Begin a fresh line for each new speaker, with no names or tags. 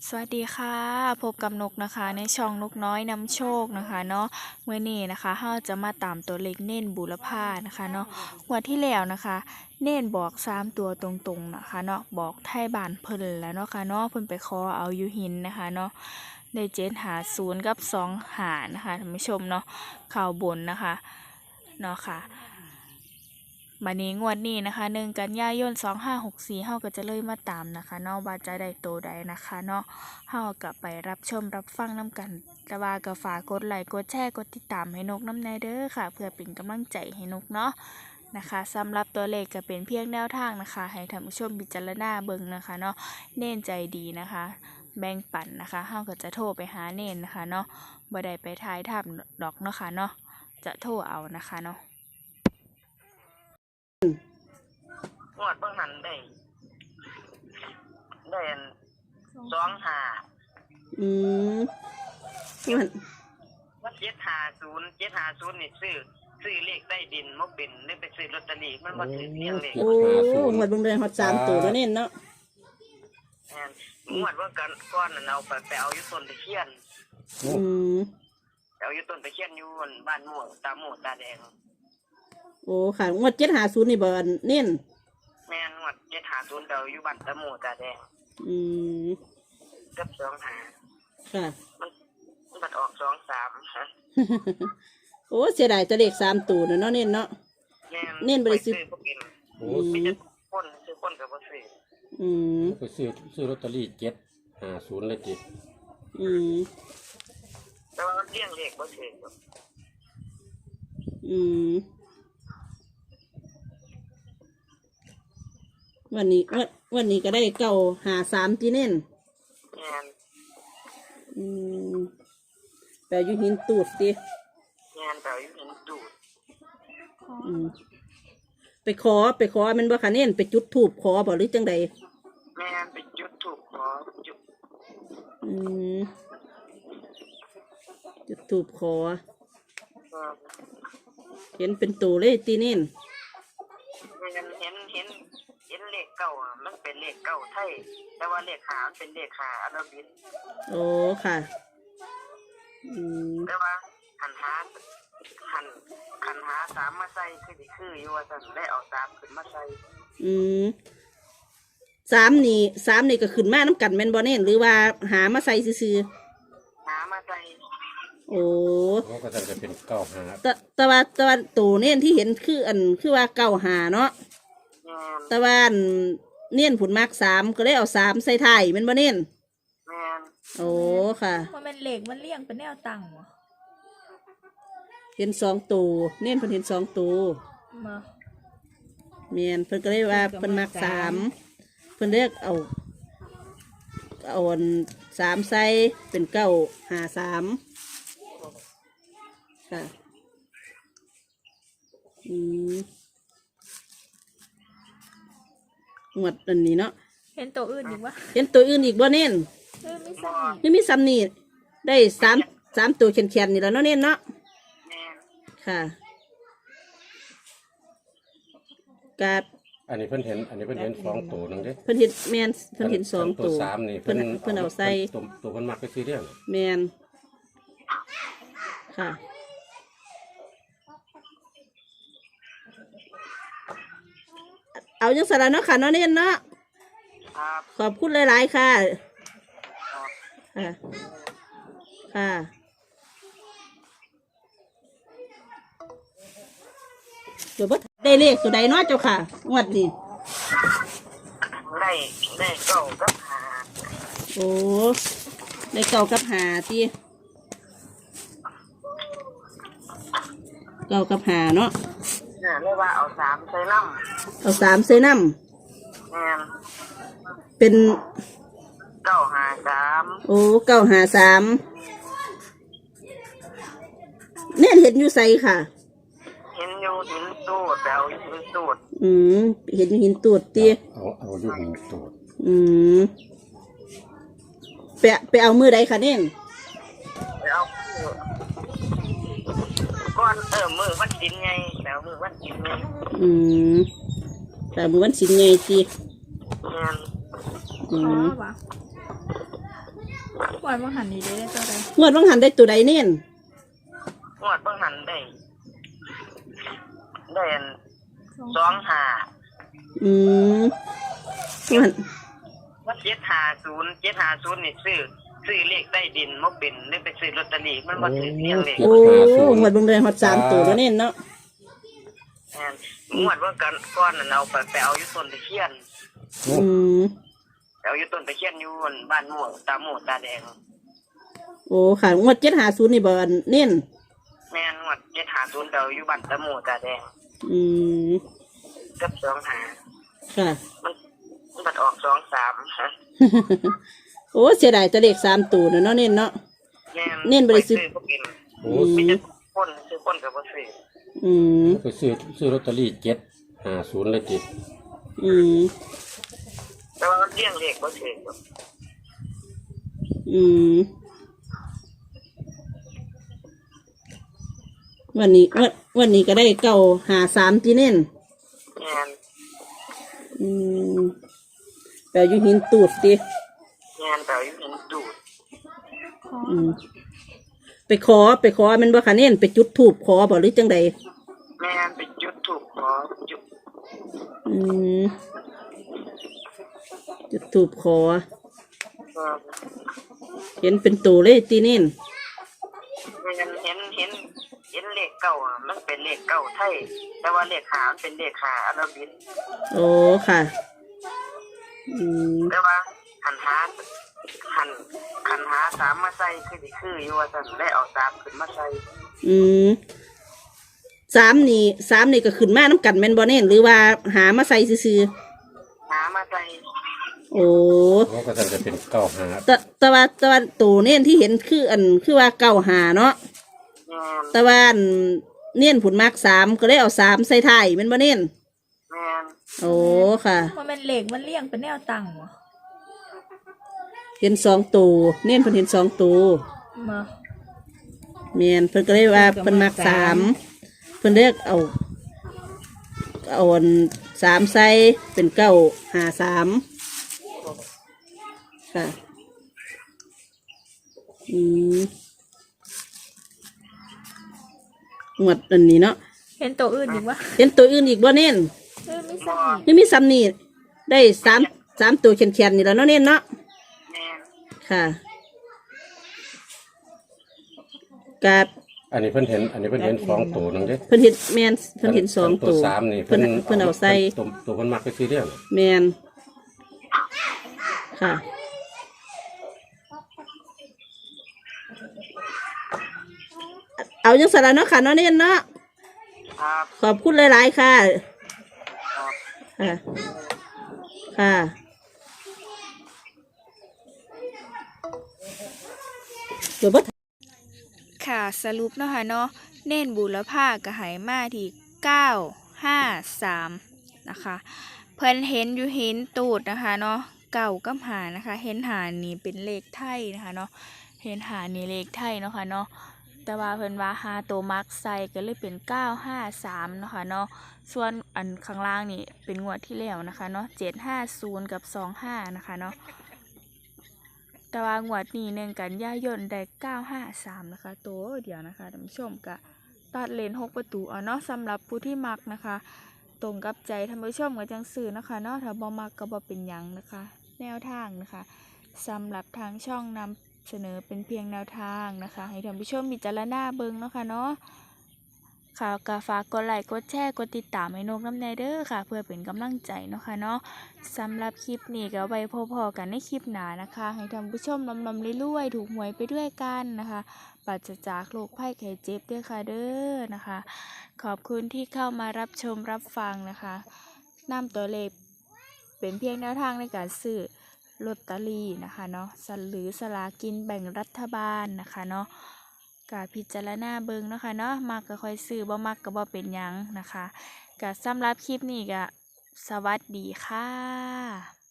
สวัสดีค่ะพบกับนกนะคะในช่องนกน้อยนำโชคนะคะเนาะเมื่อนี้นะคะเราจะมาตามตัวเลขเน้นบูรพานะคะเนาะงวดที่แล้วนะคะ เน้นบอก3 ตัวตรงๆนะคะเนาะบอกไทยบ้านเพิ่นแล้วเนาะค่ะเนาะเพิ่นไปขอเอาอยู่หินนะคะเนาะได้750กับ2 หานะคะท่านผู้ชมเนาะข่าวบนนะคะเนาะค่ะบัดนี้งวดนี้นะคะ1 กันยายน2564เฮาก็จะเลยมาตามนะคะเนาะว่าจะได้โตใดนะคะเนาะเฮาก็ไปรับชมรับฟังน้ำกันแต่ว่าก็ฝากกดไลค์กดแชร์กดติดตามให้นกน้ำแน่เด้อค่ะเพื่อเป็นกำลังใจให้นกเนาะนะคะสำหรับตัวเลขก็เป็นเพียงแนวทางนะคะให้ท่านผู้ชมพิจารณาเบิ่งนะคะเนาะเน้นใจดีนะคะแบ่งปันนะคะเฮาก็จะโทรไปหาเน้นนะคะเนาะบ่ได้ไปทายถามดอกเนาะค่ะเนาะจะโทรเอานะคะเนาะ
งวดเบิ่งหันได้อัน2 5
อืมมัน
ว่า750นี่ซื้อเลขใต้ดินบ่เป็นเลยไปซื้อลอตเตอรี่มันบ่ถือเรียงเลข
โอ้หมดเบิ่งเดือนฮอด3ตัวแล้วเน้นเนาะ
แม่นงวดว่ากันก่อนนั่นเอาไปเอาอยู่ต้นตะเคียน
อืม
เอาอยู่ต้นตะเคียนอยู่บ้านม่วงตาโมตาแดง
โอ้ค่ะงวด750นี่บ่อันเน้น
แม่นงวด750เอาอยู่บ้านตาโมตาแดง
อืม
กับ25
ค่ะ
มันบัดออก23ฮะ
โอ้เสียดายตัวเลข3ตัวเนาะเน้นเนาะ
แม่น
เน้นบ่ได้ซื้อ
บ่กิน
โอ้
มีแต่คนซื้อคนก็บ่ซื้อ
อืม
ไปซื้อลอตเตอรี่750เลยจิ
อืม
แต่ว่ามันเรียงเลขบ่ถือ
อืมวันนี้ก็ได้953ที่เน้น
แม่น
อืมแปลอยู่หินตูดติ
งานแบบอยู่หินดูด
อืมไปขอแมันบ่คะเน้นไปจุดธูปขอบ่หรือจังใด
แม่นไปจุดถูกขอจุด
อืมจุดธูปขอ เห็นเป็นตัวเลยตีเน้น
แม่นเห็นเลขเก่าอะมันเป็นเลขเก่าไทยแต่ว่าเลขหามันเป็นเลขหาอาราบิก
โอ้ค่ะ อืม
แต่ว่าหันหาสามมาใส่คือสิคืออยู่ว่าซั่นได้เอาสามขึ้นมาใส่
อืมสามนี่ก็ขึ้นมาน้ำกันแม่นบ่เน้นหรือว่าหามาใส่ซื่อ
หามาใส่
ๆโอ้
โอ้ก็จะเป็น95
แต่ว่าตัวเน้นที่เห็นคือว่า95เนาะ
แม่น
แต่ว่าอันเน้นผุนมาก3ก็เลยเอา3ใส่ท้ายแม่นบ่เน้น
แม่น
โอ้ค่ะ
ว่ามันเหล็กมันเลี่ยงเป็นแนวตั้งวะ
เห็น2ตัวเน้นเพิ่นเห็น2ตัว
มา
แม่นเพิ่นก็เลยว่าเพิ่นมัก3เพิ่นเรียกเอาอัน3ใส่เป็น953ค่ะอืมงวดอันนี้เนาะ
เห็นตัวอื่นอีกวะ
เห็นตัวอื่นอีกบ่เน้น
ไม่ใช่
ยังมีซ้ำนี่ได้3ตัวแข็งๆนี่แล้วเนาะเน้นเนาะ
แม่น
ค่ะกา
อันนี้เพิ่นเห็น2ตัวนึงเด้
เพิ่นเห็นแม่นเพิ่นเห็น2
ตั
ตัว ว
3นี่
เพิ่นเอาใส่
ตัวเพิ่นมักไปซื้อเรื่อง
แมนค่ะ เอาจังสารเนาะค่ะเนาะเน้นเนาะ
ครับ
ขอบคุณหลายๆค่ะ ค่ะ ค่ะ เดี๋ยวบ่ได้เลขตัวใดเนาะเจ้าค่ะงวดนี้
ได้เก่ากับหา
โอ้ได้เก่ากับหาที่เก่ากับหาเนาะ
เนี่ยเรียกว่าเอาสามใส่น้
เอา3ใส่น้
ำแม่น
ำเป็น
953
โอ้953เน่นเห็นอยู่ใสค่ะ
เห็นอยู่หินตูดแต่เอาอยู่หินตูด
อืมเห็นอยู่หินตูดตี
เอาอยู่หินตัว
อืมไปเอามือใดคะเน่น
ไปเอาก้อนมือวันดินไงแล้วมือวันดินไง
อืมแต่มือวันสินไงตี
แม่น
อืม
วะวันว่าหันนี้ได้ตัวใด
งวดว่างหันได้ตัวใดเน้น
งวดเบิ่งหันได้อัน25
อืมงวด
ว่า750นี่ซื้อเลขใต้ดินบ่เป็นเลยไปซื้อลอตเตอรี่มันบ่ถือเพียงเลข
โอ้งวดเบิ่งได้ฮอด3ตัวแล้วเน้นเนาะ
แม่นงวดว่าก่อนนั้นเอาไปเอาอยู่ต้นตะเคียน
อืม
ไปเอาอยู่ต้นตะเคียนอยู่บ้านม่วงตาโมตาแดง
โอ้ค่ะงวด750นี่บ่อันเน้น
แม่นงวด750ไปเอาอยู่บ้านตาโมตาแดง
อืม
กับ25
ค่ะ
มันบัดออก23ฮะ
โอ้เสียดายแต่เลข3ตัวเนาะเน้นเนาะ เน้นบ่ได้ซื้อ
บ่กิน
โอ้
มีแต่คนซื้อคนก็บ่ซื้อ
อืม
ไปซื้อลอตเตอรี่750เลยจิ
อืม
แต่ว่ามันเลี้ยงเลขบ่ซื้อครับ
อืมวันนี้ก็ได้953ที่เน้น
แม่น
อืมแต่อยู่หินตูดดิ
แม่นไปเอาอยู่หินดูด
อืมไปขอแมันบ่คะเน้นไปจุดธูปขอบ่หรือจังใด
แม่นไปจุดธูปขอจุด
อืมจุดธูปขอ
เออ
เห็นเป็นตัวเลยตีเน้น
แม่นเห็นเลขเก้าอะมันเป็นเลขเก้าไทยแต่ว่าเลขหามันเป็นเลขหาอาราบิก
โอ้ค่ะ อืม
แต่ว่าหันหาสามมาใส่คืออยู่ว่าซั่นได้เอาสามขึ้นมาใส่
อืม3นี่ก็ขึ้นมาน้ำกันแม่นบ่เน้นหรือว่าหามาใส่ซื่อ
หามาใส่
ๆโอ้
เขาก็จะเป็น95
แต่ว่าตัวเน้นที่เห็นคือว่า95เนาะ
แม่น
แต่ว่าอันเน้นผุนมาก3ก็ได้เอา3ใส่ท้ายแม่นบ่เน้น
แม่น
โอ้ค่ะ
มันเป็นเหล็กมันเลี่ยงเป็นแนวตั้งวะ
เห็น2ตัวเน้นเพิ่นเห็น2ตัว
มา
แม่นเพิ่นก็เลยว่าเพิ่นมัก3เพิ่นเลือกเอาอัน3ใส่เป็น953ค่ะ อืมงวดอันนี้เนาะ
เห็นตัวอื่นอีกวะ
เห็นตัวอื่นอีกบ่เน้น
ไม่ใช่
ไม่มีซ้ำนี่ได้3ตัวแข็งๆนี่แล้วเนาะเน้นเนาะ
แม่น
ค่ะกับ
อันนี้เพิ่นเห็น2ตัวนึงเด้
เพิ่นเห็นแม่นเพิ่นเห็น2
ตั
ตัว ว
3นี่
เพิ่นเอาใส่
ตัวเพิ่นมักไปซื้อเรื่อง
แมนค่ะ เอาจังสาระเนาะค่ะเนาะเน้นเนาะ
ครับ
ขอบคุณหลายๆค่ะ
ครับ
ค่ะ ค่ะเดี๋ยวบ่
ค่ะสรุปเนาะค่ะเนาะเน้นบุรพากระหายมาที่953นะคะเพิ่นเห็นอยู่หินตูดนะคะเนาะเก่ากับหานะคะเห็นหานี่เป็นเลขไทยนะคะเนาะเห็นหานี่เลขไทยเนาะค่ะเนาะแต่ว่าเพิ่นว่าหาตัวมักใส่ก็เลยเป็น953เนาะค่ะเนาะส่วนอันข้างล่างนี่เป็นงวดที่แล้วนะคะเนาะ750กับ25นะคะเนาะแต่ว่างวดนี้1 กันยายนได้953นะคะตัวเดียวนะคะท่านผู้ชมก็ตัดเลน6ประตูเอาเนาะสำหรับผู้ที่มักนะคะ ตรงกับใจท่านผู้ชมกับจังสื่อนะคะเนาะถ้าบ่มักก็บ่เป็นหยังนะคะ แนวทางนะคะสำหรับทางช่องนำเสนอเป็นเพียงแนวทางนะคะ ให้ท่านผู้ชมพิจารณาเบิ่งเนาะค่ะเนาะค่ะก็ฝากกดไลค์กดแชร์กดติดตามให้นกน้ำแน่เด้อค่ะ เพื่อเป็นกำลังใจเนาะค่ะเนาะสำหรับคลิปนี้ก็ไว้พอๆกันในคลิปหน้านะคะ ให้ท่านผู้ชมลำๆรวยๆถูกหวยไปด้วยกันนะคะปราศจากโรคภัยไข้เจ็บด้วยค่ะเด้อนะคะ ขอบคุณที่เข้ามารับชมรับฟังนะคะนำตัวเลขเป็นเพียงแนวทางในการซื้อลอตเตอรี่นะคะเนาะหรือสลากินแบ่งรัฐบาลนะคะเนาะกาพิจารณาเบิ่งเนาะค่ะเนาะมักก็ค่อยซื้อบ่มักก็บ่เป็นหยังนะคะกาสำหรับคลิปนี้ก็สวัสดีค่ะ